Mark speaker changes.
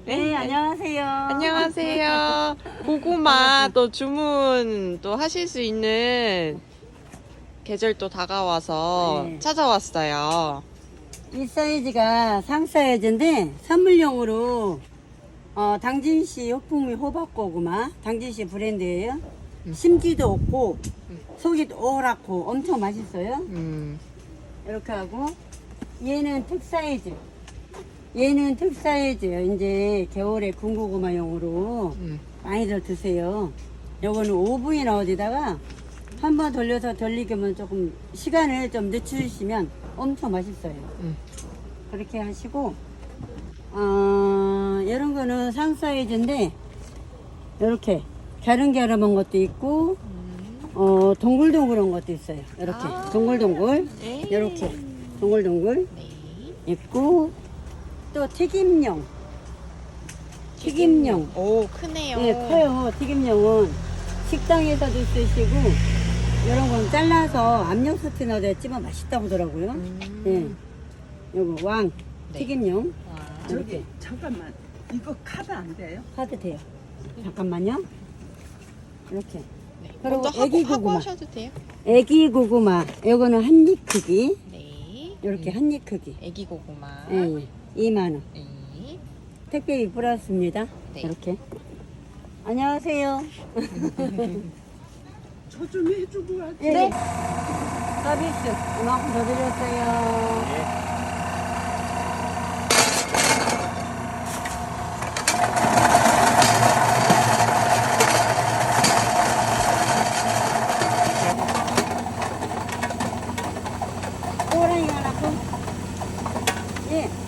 Speaker 1: 네, 안녕하세요.
Speaker 2: 안녕하세요. 고구마 또 주문 또 하실 수 있는 계절 또 다가와서
Speaker 1: 네.
Speaker 2: 찾아왔어요.
Speaker 1: 이 사이즈가 상 사이즈인데 선물용으로 당진시 호풍미 호박고구마 당진시 브랜드예요. 심지도 없고 속이 오랗고 엄청 맛있어요. 이렇게 하고 얘는 특사이즈. 얘는 특사이즈요. 이제 겨울에 군고구마용으로 많이들 드세요. 요거는 오븐이나 어디다가 한번 돌려서 돌리기면 조금 시간을 좀 늦추시면 엄청 맛있어요. 그렇게 하시고 이런 거는 상 사이즈인데 이렇게 갸름갸름한 것도 있고 동글동글한 것도 있어요. 이렇게 동글동글 이렇게 동글동글 있고 또 튀김용
Speaker 2: 오, 크네요.
Speaker 1: 네, 커요. 튀김용은 식당에서도 쓰시고 이런 건 잘라서 압력솥에 넣어서 찌면 맛있다고 하더라고요. 네. 요거 왕
Speaker 2: 네.
Speaker 1: 튀김용 이렇게
Speaker 3: 저기 잠깐만 이거 카드 안 돼요?
Speaker 1: 하도 돼요. 잠깐만요. 이렇게.
Speaker 2: 네.
Speaker 1: 그리고
Speaker 2: 먼저
Speaker 1: 애기
Speaker 2: 하고
Speaker 1: 고구마.
Speaker 2: 하셔도 돼요.
Speaker 1: 애기 고구마. 요거는 한 입 크기.
Speaker 2: 네.
Speaker 1: 이렇게 한 입 크기.
Speaker 2: 애기 고구마.
Speaker 1: 예, 2만원.
Speaker 2: 네.
Speaker 1: 택배비 플러스입니다.
Speaker 2: 네.
Speaker 1: 이렇게. 안녕하세요.
Speaker 3: 저 좀 해주고 하지.
Speaker 1: 네. 서비스 이만큼 더 드렸어요. 호랑이가 낳고 예.